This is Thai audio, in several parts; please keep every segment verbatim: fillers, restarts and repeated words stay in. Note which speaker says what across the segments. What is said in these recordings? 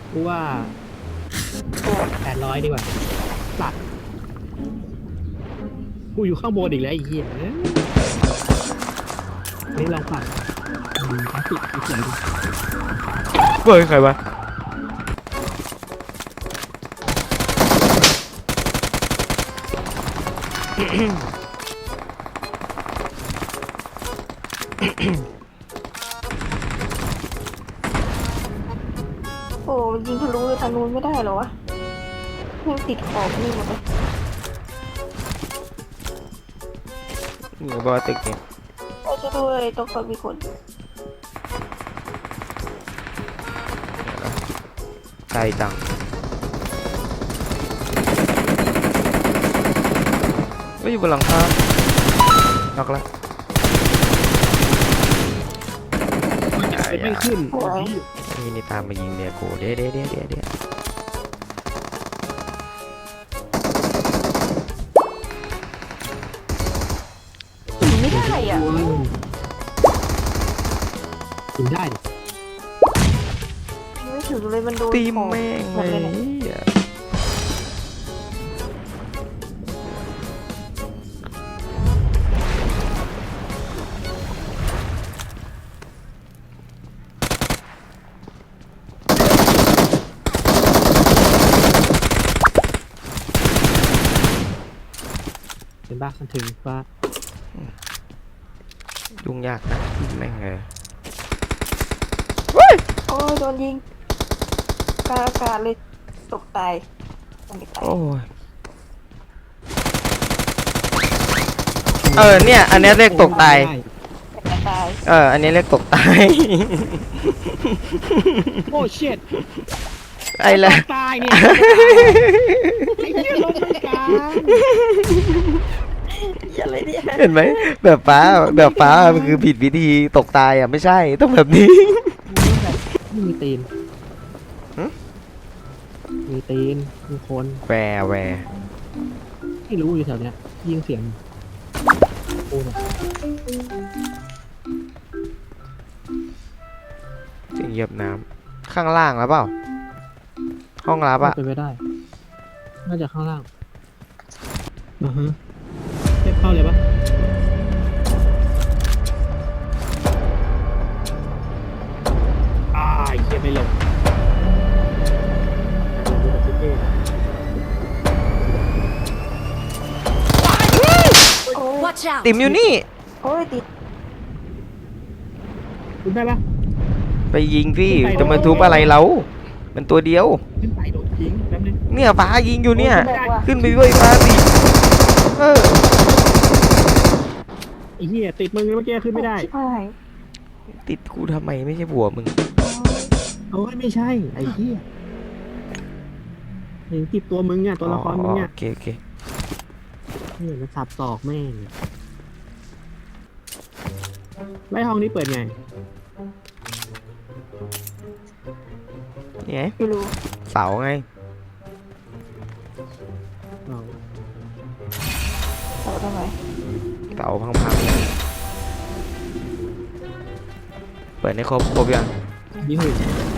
Speaker 1: กูว่าแปดร้อยดีกว่าตัดกูอยู่ข้างบนอีกแล้วไอ้เหี้ยนี่ลองปัดกราฟิกสวยดิ
Speaker 2: เฮ้ยใครวะ
Speaker 3: โอ้ยิงทะลุทางนู้นไม่ได้เหรอวะยังติดขอบนี่หมดเลย
Speaker 2: นี่ก็บอกว่าตึกเนี่ย
Speaker 3: โอ้ช่วยด้วยตรงขอบมีคน
Speaker 2: ไกลจังเฮ้ยอยู่บนหลังคาน็อกแล้ว
Speaker 1: ไม่ขึ้น
Speaker 2: นี่นี่ตามมายิงเนี่ยกูเดี๋ยวเดี๋ยวเดี๋ยวเดี๋ยวเดี๋ยว
Speaker 3: ยิงไม่ได้อ่ะ
Speaker 1: กินได้ดิ
Speaker 3: ยิงไม่ถึงเลยมันโดน
Speaker 2: ตี
Speaker 3: ขอบ
Speaker 2: แม่ง
Speaker 3: หม
Speaker 2: เล
Speaker 3: ดเลยเนี่ย
Speaker 2: ย
Speaker 1: เป็นบ้ามันถึงว่า
Speaker 2: ยุ่งยากนะแม่งเลย
Speaker 3: โอ้ยโดนยิงกลางอากาศเลยตกตายไม่ตาย
Speaker 2: โอ้ยเออเนี่ยอันนี้เรียกตกตาย
Speaker 3: แต่ตาย
Speaker 2: เอออันนี้เรียกตกตาย
Speaker 1: โอ้เชิด
Speaker 2: ไอ้ละ
Speaker 1: ตายเนี่ยไอ้เหี้ยลงไม่กลาง
Speaker 3: อะไรเนี่ย
Speaker 2: เห็นไหมแบบฟ้าแบบฟ้ามันคือผิดวิธีตกตายอ่ะไม่ใช่ต้องแบบนี้
Speaker 1: ไม่มีตีน
Speaker 2: หึ
Speaker 1: มีตีนมีคน
Speaker 2: แวร์แวร์
Speaker 1: ที่รู้อยู่แถวเนี้ยยิงเสียงโอ้ย
Speaker 2: เสียงเหยียบน้ำข้างล่างแล้วเปล่าห้องรับอะ
Speaker 1: เป็นไปได้ น่าจะข้างล่างอือฮะเทียบเข้าเลยปะอ่าเฮียไม่ลง
Speaker 3: โอ้ย
Speaker 4: Watch out!
Speaker 2: ติมอยู่นี่
Speaker 3: โอ้ยติด
Speaker 1: คุณได้ปะ
Speaker 2: ไปยิงพี่จะมาทุบอะไรเรามันตัวเดียว
Speaker 1: ขึ้นไปโดนยิงแป๊บนึง
Speaker 2: เนี่ยฟ้ายิงอยู่เนี่ย
Speaker 3: บอกว่า
Speaker 2: ขึ้นไปด้วยฟ้าสิเออ
Speaker 1: ไอ้เหี้ยติดมึงเมื่อกี้ขึ้นไม่ได้
Speaker 3: ชิบหาย
Speaker 2: ติดกูทำไมไม่ใช่บัวมึง
Speaker 1: โอ้ยไม่ใช่ไอ้เหี้ยเห็นติดตัวมึงเนี่ยตัวละครมึงเนี่ย
Speaker 2: โอเคโอเค
Speaker 1: นี่มันสับศอกแม่งไล่ห้องนี้เปิดไง
Speaker 2: นี่ไง
Speaker 3: ไม่รู้
Speaker 2: เสาไง
Speaker 1: เอา
Speaker 3: เสาทำไม
Speaker 2: เสาพังๆเปิดให้ครบครบยัง
Speaker 1: นี่หุ่น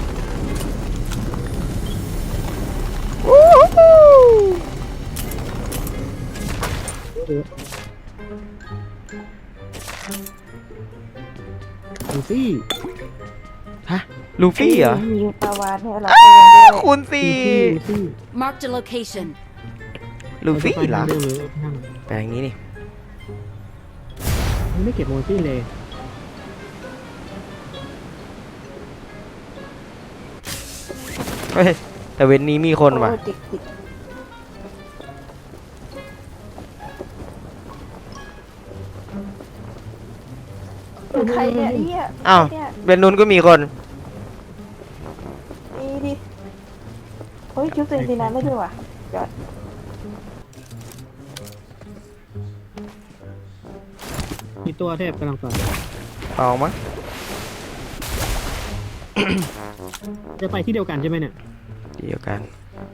Speaker 1: ดูสิ
Speaker 2: ฮะลูฟี่เหรอ
Speaker 3: มีปลาวานให้เราไปยังด้วย
Speaker 2: คูณ
Speaker 1: ดู
Speaker 2: สี่
Speaker 1: สิดูสิ
Speaker 4: Marked a location.
Speaker 2: ลูฟี่เหรอ
Speaker 1: าจะไปทางเดิมหรือทาง
Speaker 2: แปลงนี้นี่
Speaker 1: มันไม่เก็บโมซี่เลย
Speaker 2: เฮ้ยแต่เว้นนี้มีคนว่ะ
Speaker 3: โอ้ยติดติดใครเนี่ยไอ้เหี้ย
Speaker 2: อ้าว
Speaker 3: เนี่ย
Speaker 2: เว้นนู้นก็มีคน
Speaker 3: นี่ดิเฮ้ยชุดเซนตินาไม่ด้วยว่ะยอด
Speaker 1: มีตัวเทพกำลังต่อ
Speaker 2: เอามั้ง
Speaker 1: จะไปที่เดียวกันใช่ไหมเนี่ย
Speaker 2: เดียวกัน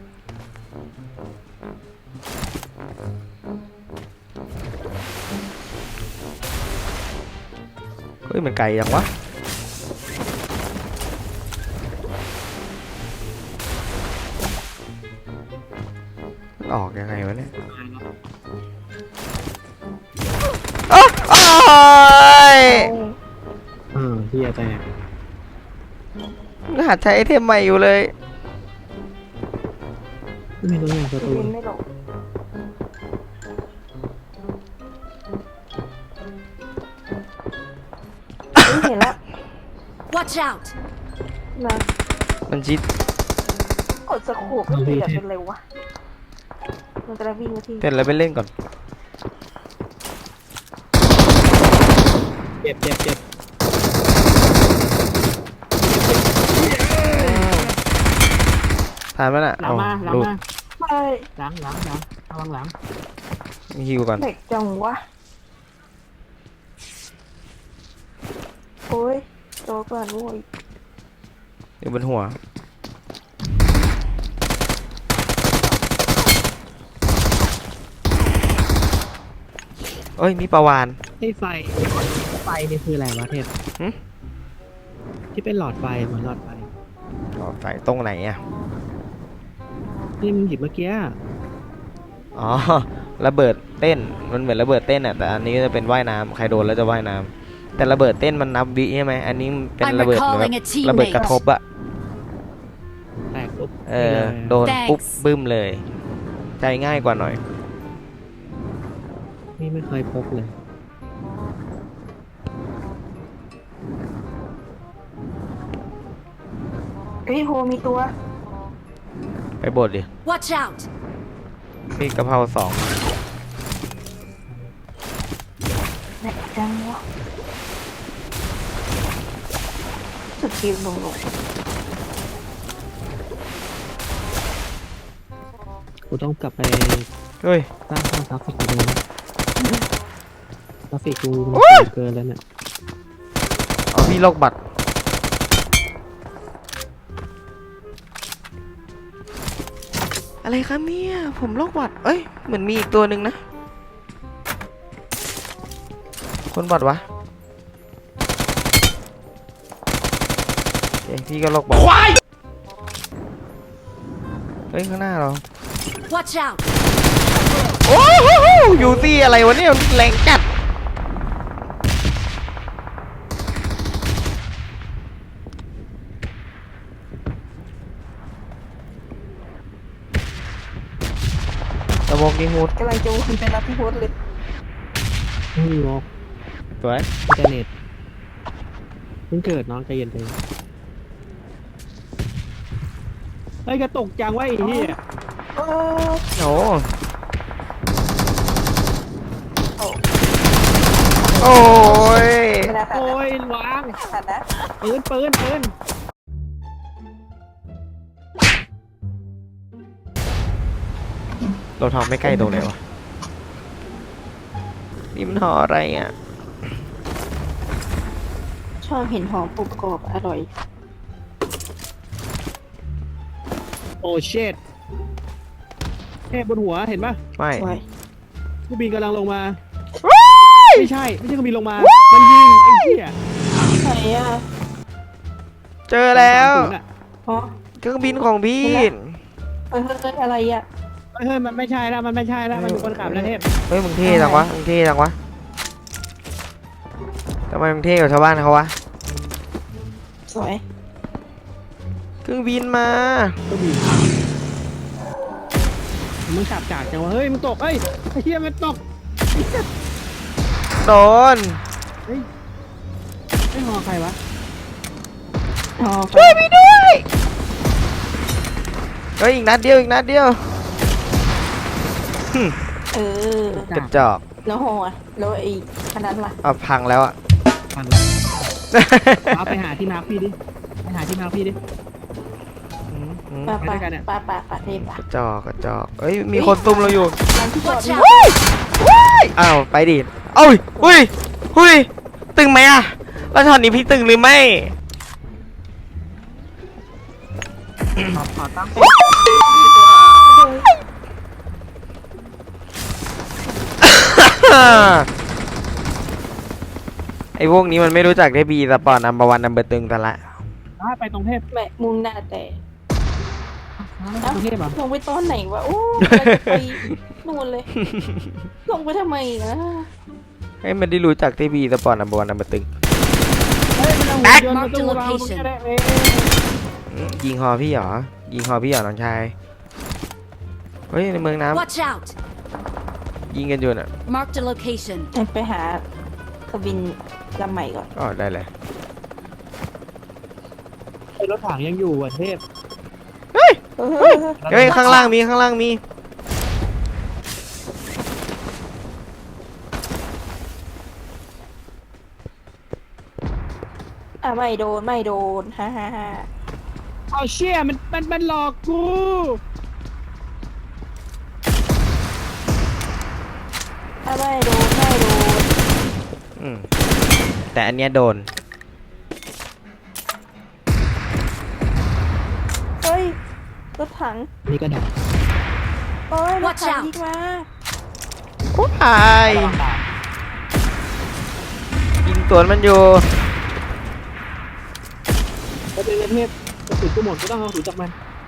Speaker 2: เฮ้ยมันไกลจังวะออกยังไงวะเนี่ยโอ้โอ้ย
Speaker 1: เออเฮียแตก
Speaker 2: หัดใช้ไอเทมใหม่อยู่เลย
Speaker 1: ไม่มีตัวอย่างประตู
Speaker 3: บินไม่ลงเฮ้ยเห็นแล้ว
Speaker 4: Watch out!
Speaker 3: นะ
Speaker 2: มันชิด
Speaker 3: กดสโคปไม่ติดแบบเป็นเร็ววะมันจะได้วิ่งมาที่
Speaker 2: เต้นแล้วไปเล่นก่อน
Speaker 1: เจ็บเจ็บเจ็บ
Speaker 2: ทานมันอ่ะ
Speaker 1: หลังมาหลัง
Speaker 2: หลุด
Speaker 1: มา
Speaker 3: ไม่
Speaker 1: หลังหลังหลังระวังหลัง
Speaker 2: ฮิวก่อน
Speaker 3: เด็กจังวะโอ้ยโตก่อนโว้ย
Speaker 2: อยู่บนหัวเอ้ยมีปลาวาน
Speaker 1: ไอ้ไฟไฟนี่คืออะไรวะเทพ
Speaker 2: หึ
Speaker 1: ที่เป็นหลอดไฟเหมือนหลอดไฟ
Speaker 2: หลอดไฟตรงไหนอ่ะ
Speaker 1: ที่มึงหยิบเมื่อกี้
Speaker 2: อ๋อ ระเบิดเต้น มันเหมือนระเบิดเต้นอ่ะ แต่อันนี้จะเป็นว่ายน้ำใครโดนแล้วจะว่ายน้ำแต่ระเบิดเต้นมันนับวิใช่ไหม อันนี้เป็น
Speaker 4: I'm
Speaker 2: ระเบิดแบบ
Speaker 4: recalling a
Speaker 2: ระเบิดกระ
Speaker 4: teammate.
Speaker 2: ทบอะ
Speaker 1: แตกปุ๊บ
Speaker 2: เออ
Speaker 1: นี่ลย
Speaker 2: โดน
Speaker 4: Thanks
Speaker 2: ปุ๊บบึ้มเลย ใจง่ายกว่าหน่อย
Speaker 1: นี่ไม่เคยพกเลย
Speaker 3: เฮ้ยโฮมีตัว
Speaker 2: ไปบดดิ
Speaker 4: Watch out!
Speaker 2: มีกะเพราสอง
Speaker 3: เด็กจังวะสุดทีมลงลง
Speaker 1: กูต้องกลับไป
Speaker 2: เฮ้ย
Speaker 1: สร้างสร้างกราฟิกดูกราฟิกกูมัน
Speaker 2: โอ้ย
Speaker 1: สูงเกินแล้วเนี่ย
Speaker 2: เอาพี่โรคบัตรอะไรครับเนี่ยผมโรคบัตรเอ้ยเหมือนมีอีกตัวหนึ่งนะ คนบัตรวะเอ้ยพี่ก็โรคบัตรเฮ้ยข้างหน้าเรา
Speaker 4: Watch out!
Speaker 2: โอ้โหยูซี่อะไรวะเนี่ยแรงจัดตะโมกยิงฮูด
Speaker 3: กำลังจะวนไปรับพี่โฮสเลย
Speaker 1: ไม่มีวอล
Speaker 2: สวย
Speaker 1: อินเทอร์เน็ตเพิ่งเกิดน้องใจเย็นใจเย็นเฮ้ยกระตกจังวะไอ้เหี้ย
Speaker 3: เออ
Speaker 2: โอ้
Speaker 3: โอ้
Speaker 2: โอ้ย
Speaker 3: ไม่ได้ขาด
Speaker 1: โอ้
Speaker 3: นะ
Speaker 1: ยวาง
Speaker 3: ขาดนะ
Speaker 1: ปืนปืนปืน
Speaker 2: เราทำไม่ใกล้ตรงไหนวะนี่มันห่ออะไรอ่ะ
Speaker 3: ชอบเห็นหอมปุบกรอบอร่อย
Speaker 1: โอ้เชดแค่บนหัวเห็นปะ
Speaker 2: ไม่
Speaker 3: สวย
Speaker 1: เครื่องบินกำลังลงมาไม่ใช่ไม่ใช่เครื่องบินลงมามันยิงไอ้เหี้ย
Speaker 3: ไหนอ่ะ
Speaker 2: เจอแล้ว
Speaker 1: สามศูนย์อะ
Speaker 3: อ๋อ
Speaker 2: เครื่องบินของพี่
Speaker 3: เฮ้ยเฮ้ยเฮ้ยอะไรอ่ะ
Speaker 1: เฮ้ยเฮ้ยมันไม่ใช่แล้วมันไม่ใช่แล้วมันอยู่คนขับแล้วเทพ
Speaker 2: เฮ้ยมึงเท่จังวะมึงเท่จังวะทำไมมึงเท่กว่าชาวบ้านเขาวะ
Speaker 3: สวย
Speaker 2: เครื่องบินมา
Speaker 1: เครื่องบินมึงขับจากจังวะเฮ้ยมึงตกเฮ้ยไอ้เหี้ยมันตก
Speaker 2: โดน
Speaker 1: ไม่หอใครวะ
Speaker 3: อ๋อ
Speaker 2: ช่วยพี่ด้วยเฮ้ยอีกนัดเดียวอีกนัดเดียว
Speaker 3: เออก
Speaker 2: ระจอก
Speaker 3: แล้วหออ่ะแล้วไอ้ขนาดล่ะ
Speaker 2: เอาพังแล้วอ่ะ
Speaker 1: ฟังแล้วเอาไปหาที่มาร์คพี่ดิไปหาที่มาร์คพี่ดิ
Speaker 2: อืมอืม
Speaker 3: ปะ
Speaker 1: ไปด้
Speaker 3: ปะ
Speaker 1: วยกันอะ
Speaker 3: ปะปะปะเทป
Speaker 2: ก
Speaker 3: ปะ
Speaker 2: ระจอกกระจอกเอ้ยมีคนตุ้มเราอยู่
Speaker 3: ร้านที่จอด
Speaker 4: Watch
Speaker 3: นี่
Speaker 4: out!
Speaker 2: อ้าวไปดิเอ้ยหุ้ยหุ้ยตึงไหมอะแล้วช็อตนี้พี่ตึงหรือไม่
Speaker 1: ขอขอตั้ง
Speaker 2: ไอ้พวกนี้มันไม่รู้จักได้บีสปอร์ตนัมเบอร์วันนัมเบอร์ตึงแต่ละ
Speaker 1: ไปตรงเทพ
Speaker 3: แม่มุ่งหน้าแต่
Speaker 1: ข
Speaker 3: เอ้าก
Speaker 1: รุงเทพเหรอ
Speaker 3: ลงไปตอนไหนวะ โอ้กำลังจะไปนู่นเลย ลงไปทำไมนะ
Speaker 2: ให้มันได้รู้จักทีวีสปอร์ตนัมเบอร์วันนัมเบอร์ตึง
Speaker 1: เฮ้ยมันเอาหุ่นยนต์มาตู้เราตรงนี้ได้เอง
Speaker 2: อืมยิงฮอพี่เหรอ ยิงฮอพี่เหรอน้องชาย เฮ้ยในเมืองน้
Speaker 4: Watch out!
Speaker 2: ำยิงกันอยู่น่ะ
Speaker 4: Marked a location.
Speaker 3: ไปหาเครื่องบินลำใหม่ก่อน
Speaker 2: อ๋อได้เลย
Speaker 1: ไอ้รถถังยังอยู่อ่ะเทพ
Speaker 3: เฮ้ย
Speaker 2: เฮ้ยข้างล่างมีข้างล่างมี
Speaker 3: อ่ะไม่โดนไม่โดนฮ่าฮ่าฮ่า
Speaker 1: เอาเชี่ยมันมันมันหลอกกู
Speaker 3: อ่ะไม่โดนไม่โดน
Speaker 2: อืมแต่อันเนี้ยโดน
Speaker 3: เฮ้ยรถถัง
Speaker 1: นี่ก็ได้
Speaker 3: โอ้ยรถ
Speaker 4: Watch
Speaker 3: ถัง
Speaker 4: out
Speaker 3: ยิงมา
Speaker 2: ตายยิงสวนมันอยู่
Speaker 1: ก็เป็นเทพกระสุนกูหมดกูต้องเอากระสุนจากมัน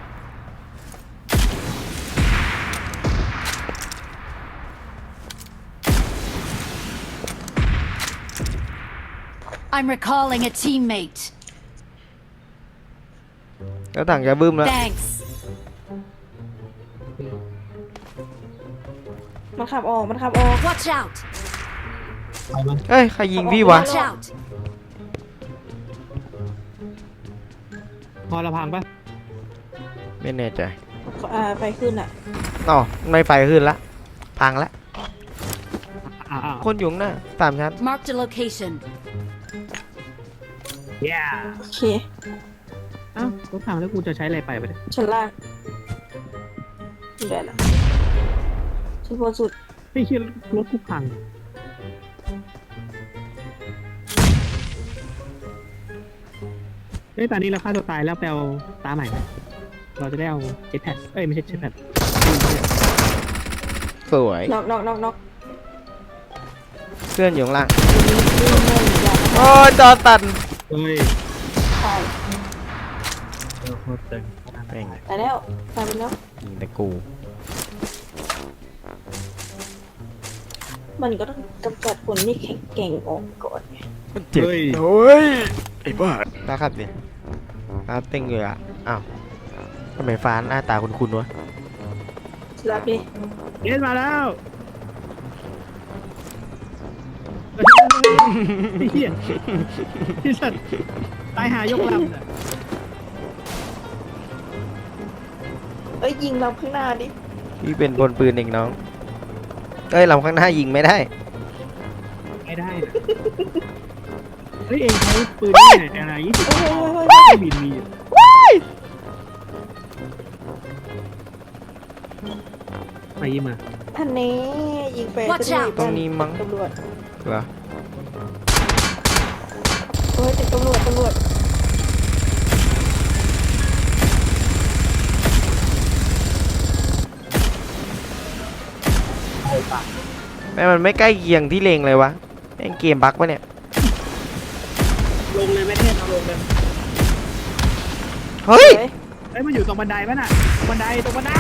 Speaker 4: I'm recalling a teammate.
Speaker 2: แล้วถังจะบึ้มแล้ว
Speaker 4: Thanks.
Speaker 3: มันขับออกมันขับออก
Speaker 4: Watch out!
Speaker 1: ไปมัน
Speaker 2: เอ้ยใครยิงพี่วะ
Speaker 4: Watch out!
Speaker 1: พอละพังปะ
Speaker 2: ไม่แน่ใจ
Speaker 3: อ่าไฟขึ้นอ่ะ
Speaker 2: อ๋อไม่ไฟขึ้นละ พังละ
Speaker 1: อ่าอ่า
Speaker 2: คนอยู่ข้างหน้าสามชั้น
Speaker 4: Marked a location.
Speaker 1: เย้
Speaker 3: โอเค
Speaker 1: อ้าวรถถังแล้วกูจะใช้อะไรไปไปเนี่ย
Speaker 3: ชั้นล่างนี่ได้ละชั้นบนสุด
Speaker 1: ไอ้เชี่ยรถกูพังเฮ้ยตอนนี้เราฆ่าตัวตายแล้วไปเอาตาใหม่ไหมเราจะได้เอาเจ็ตแพดเอ้ยไม่ใช่เจ็ตแพด
Speaker 2: สวย
Speaker 3: น็อกน็อกน็อกน็อก
Speaker 2: เพื่อนอยู่ข้างล่าง
Speaker 3: นี่นี่นี่อย่า
Speaker 2: โอ้ยจอตัน
Speaker 1: เฮ้ย
Speaker 3: ตาย
Speaker 1: เออโคตรตึง
Speaker 2: แม่ง
Speaker 3: ตายแล้วตายไปแล้ว
Speaker 2: ยิงแต่กู
Speaker 3: มันก็ต้องกำจัดคนที่แข็งแกร่งออกก่อนไง
Speaker 2: เจ็บ
Speaker 1: เฮ้ย
Speaker 2: โอ้ยไอ้บ้านะครับดิตาเต็งเลยอ่ะ อ้าวทำไมฟ้าหน้าตาคุ้นๆวะ
Speaker 3: รับดิ
Speaker 1: เอ็นมาแล้วไอ้เหี้ยที่สัตว์ตายหายกลำน่ะ
Speaker 3: เอ้ยยิงลำข้างหน้าดิ
Speaker 2: พี่เป็นพลปืนเองน้อง เอ้ยลำข้างหน้ายิงไม่ได้
Speaker 1: ไม่ได้นะเฮ้ยเองใช้ปืนที่ไหนอะไรยี่สิบ
Speaker 3: เฮ้ยเฮ้ยเฮ้ยเฮ้ย
Speaker 1: บินมีอยู่ไปยิงมา
Speaker 3: ท่านนี้ยิงไป
Speaker 4: Watch
Speaker 3: จะ
Speaker 4: out
Speaker 2: ตรงนี้มั้ง
Speaker 3: ตำรวจ
Speaker 2: เหรอ
Speaker 3: เฮ้ยเป็นตำรวจตำรวจ
Speaker 2: แม่มันไม่ใกล้เคียงที่เลงเลยวะแม่งเกมบั๊กปะเนี่ย
Speaker 1: ลงเลยแม่เทพเอาลงเลย
Speaker 2: เฮ้ย
Speaker 3: เฮ้ย
Speaker 1: เฮ้ยมันอยู่ตรงบันไดป่ะน่ะตรงบันไดตรงบันได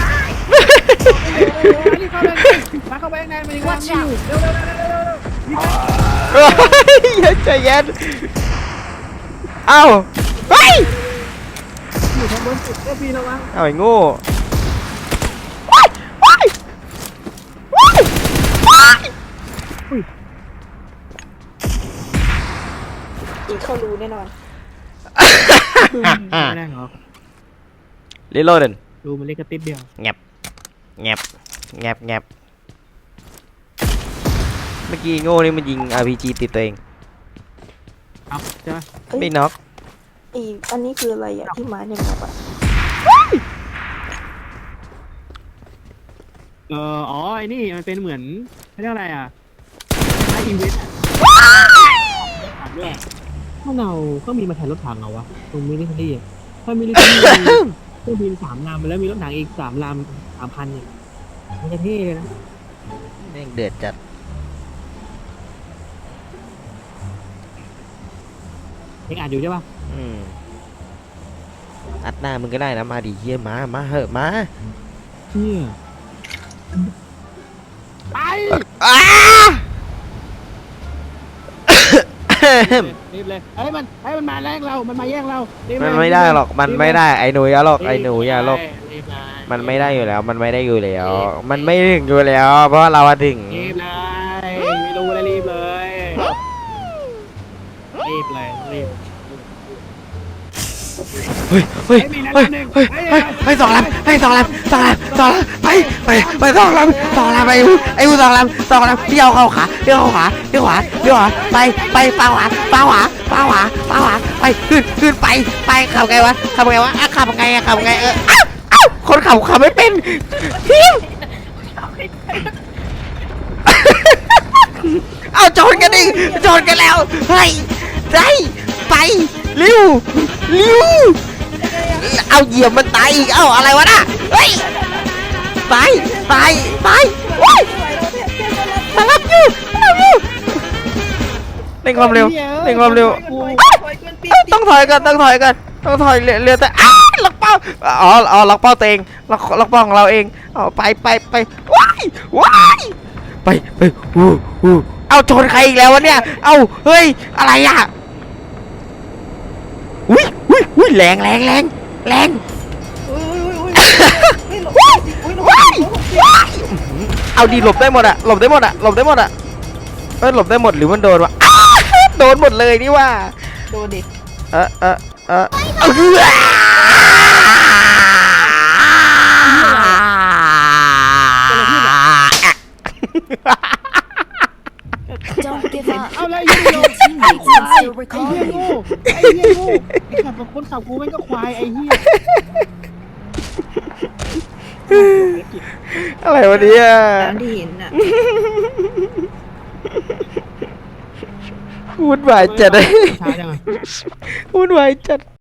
Speaker 1: รีบเข้าไปมาเข้าไปข้างในมันยังวางอยู่เร็วเร็วเร็วเร็วเร็วรีบไป
Speaker 2: เฮ้ยใจเย็นเอ้าเฮ้ย
Speaker 1: อยู่ทางบนสุดก็พี่ระวัง
Speaker 2: เอาไอ้โง่
Speaker 3: ยิงเข้ารูแน่นอน
Speaker 1: ไม่ได้หรอก
Speaker 2: รีโหลด
Speaker 1: ดูมันเล็กกระติดเดียว
Speaker 2: แงบแงบแงบแงบเมื่อกี้โง่นี่มันยิง อาร์ พี จี ติดตัวเอง
Speaker 1: เอาใช่ไหม
Speaker 3: เอ้ย
Speaker 2: ไม่น็อก
Speaker 3: อีอันนี้คืออะไรอ่ะที่ไม้ในแมปอ่ะ
Speaker 1: เอออ๋อไอ้นี่มันเป็นเหมือนเขาเรียกอะไรอ่ะคล้ายอีเวนต์อ่ะถังด้วยถ้าเราก็มีมาแทนรถถังเหรอวะตรงมิลิเทอรี่อ่ะถ้ามิลิเทอรี่เครื่องบินสามลำแล้วมีรถถังอีกสามลำสามพันเนี่ยมันจะเท่เลยนะ
Speaker 2: แม่งเดือดจัด
Speaker 1: ยังอ่านอยู่ใช่ปะ
Speaker 2: อืมอัดหน้ามึงก็ได้นะมาดิเฮียมามาเหอะมา
Speaker 1: เชี่ยไป
Speaker 2: อ้า
Speaker 1: รีบเลยเอ้ยมันเอ้ยมันมาแย่งเรา มันมาแย่งเรารีบเลย
Speaker 2: มันไม่ได้หรอกมันไม่ได้ไอ้หนูอย่าหรอกไอ้หนูอย่าหรอก
Speaker 1: รีบเลย
Speaker 2: มันไม่ได้อยู่แล้ว มันไม่ได้อยู่แล้ว มันไม่ถึงอยู่แล้ว เพราะเราอะถึง
Speaker 1: รีบเลยไม่รู้เลยรีบเลยรีบเลยรีบ
Speaker 2: เฮ้ยเฮ้ย
Speaker 1: เฮ้ยมีนัด
Speaker 2: เฮ้ย
Speaker 1: หนึ่ง
Speaker 2: เฮ้ย
Speaker 1: เฮ้ย
Speaker 2: เฮ้ยเฮ้ยสองลำเฮ้ยสองลำสองลำสองลำไปไปไปสองลำสองลำไปอูไอ้อูสองลำสองลำพี่เอาเข้าขาพี่เอาเข้าขาพี่ขวาพี่ขวาไปไปปาขวาปาขวาปาขวาปาขวาไปขึ้นขึ้นไปไปขับไงวะขับไงวะอ่ะขับไงอ่ะขับไงเอออ้าวอ้าวคนขับขับไม่เป็นทีมเอาโจนกันดิโจนกันแล้วเฮ้ยได้ไปเร็วเร็วเอาเหยียบมันตายอีกเอ้าอะไรวะน่ะเฮ้ยตายตายตายว้ายมารับอยู่มารับอยู่เร่งความเร็วเร่งความเร็ว ต้องถอยกันต้องถอยกันต้องถอยเรือเรือแต่อ้าล็อกเป้าอ๋ออ๋อล็อกเป้าตัวเองล็อกล็อกเป้าของเราเองเอาไปไปไปว้ายว้ายไปไปอู้อู้เอาชนใครอีกแล้ววะเนี่ยเอาเฮ้ยอะไรอ่ะอุ้ยอุ้ยอุ้ยแรงแรงแรงแรงว้ายว้ายว้ายเอาดีหลบได้หมดอะหลบได้หมดอะหลบได้หมดอะเออหลบได้หมดหรือมันโดนวะอ้าโดนหมดเลยนี่ว่า
Speaker 3: โดนดิ
Speaker 2: เออเออเออเออ
Speaker 4: Don't give up.
Speaker 1: เอาเลยยิงโย
Speaker 4: Your teammates can still
Speaker 1: ไอ้
Speaker 4: recall
Speaker 1: เหี้ย
Speaker 4: you.
Speaker 1: งูไอ้เหี้ยงูไอ้ขับคนขับกูแม่งก็ควายไอ้เหี้ย
Speaker 2: อะไรวะเนี่ย
Speaker 3: ตามที่เห็นน่ะ
Speaker 2: วุ่นวายจัดเลย
Speaker 1: ช้าจังอะ
Speaker 2: วุ่นวายจัด